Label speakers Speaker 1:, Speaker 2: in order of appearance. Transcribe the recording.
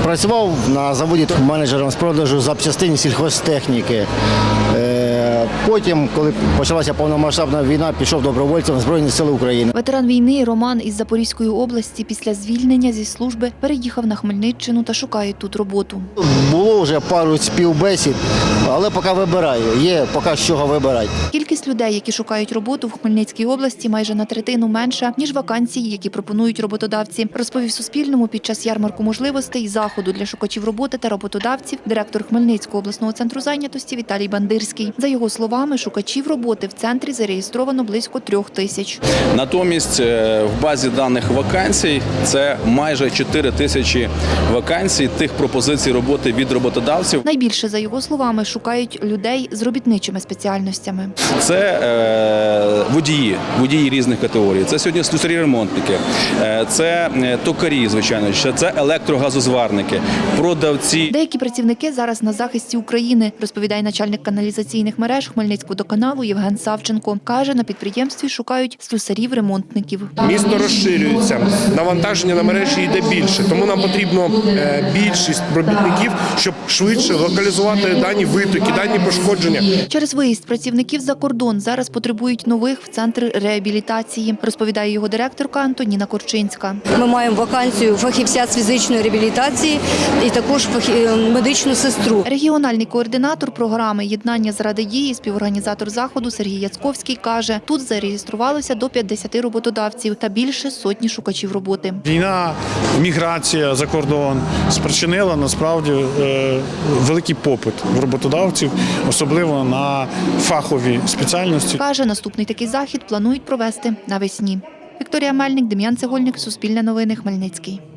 Speaker 1: Працював на заводі менеджером з продажу запчастин сільхозтехніки. Потім, коли почалася повномасштабна війна, пішов добровольцем в Збройні Сили України.
Speaker 2: Ветеран війни Роман із Запорізької області після звільнення зі служби переїхав на Хмельниччину та шукає тут роботу.
Speaker 1: Було вже пару співбесід, але поки вибираю. Є поки з чого вибирати.
Speaker 2: Кількість людей, які шукають роботу в Хмельницькій області, майже на третину менша, ніж вакансій, які пропонують роботодавці, розповів Суспільному під час ярмарку можливостей заходу для шукачів роботи та роботодавців директор Хмельницького обласного центру зайнятості Віталій Бандирський. За його словами, шукачів роботи в центрі зареєстровано близько 3000.
Speaker 3: Натомість в базі даних вакансій це майже 4000 вакансій тих пропозицій роботи від роботодавців.
Speaker 2: Найбільше, за його словами, шукають людей з робітничими спеціальностями.
Speaker 3: Це водії різних категорій. Це сьогодні слюсарі-ремонтники, це токарі, звичайно, це електрогазозварники, продавці.
Speaker 2: Деякі працівники зараз на захисті України, розповідає начальник каналізаційних мереж Хмельницькводоканалу Євген Савченко. Каже, на підприємстві шукають слюсарів-ремонтників.
Speaker 4: Місто розширюється, навантаження на мережі йде більше, тому нам потрібно більшість робітників, щоб швидше локалізувати дані витоки, дані пошкодження.
Speaker 2: Через виїзд працівників за кордон зараз потребують нових в центр реабілітації, розповідає його директорка Антоніна Корчинська.
Speaker 5: Ми маємо вакансію фахівця з фізичної реабілітації і також медичну сестру.
Speaker 2: Регіональний координатор програми «Єднання заради дії», співорганізатор заходу Сергій Яцковський каже, тут зареєструвалося до 50 роботодавців та більше сотні шукачів роботи.
Speaker 6: Війна, міграція за кордон спричинила насправді великий попит в роботодавців, особливо на фахові спеціальності.
Speaker 2: Каже, наступний такий захід планують провести навесні. Вікторія Мельник, Дем'ян Цегольник, Суспільне новини, Хмельницький.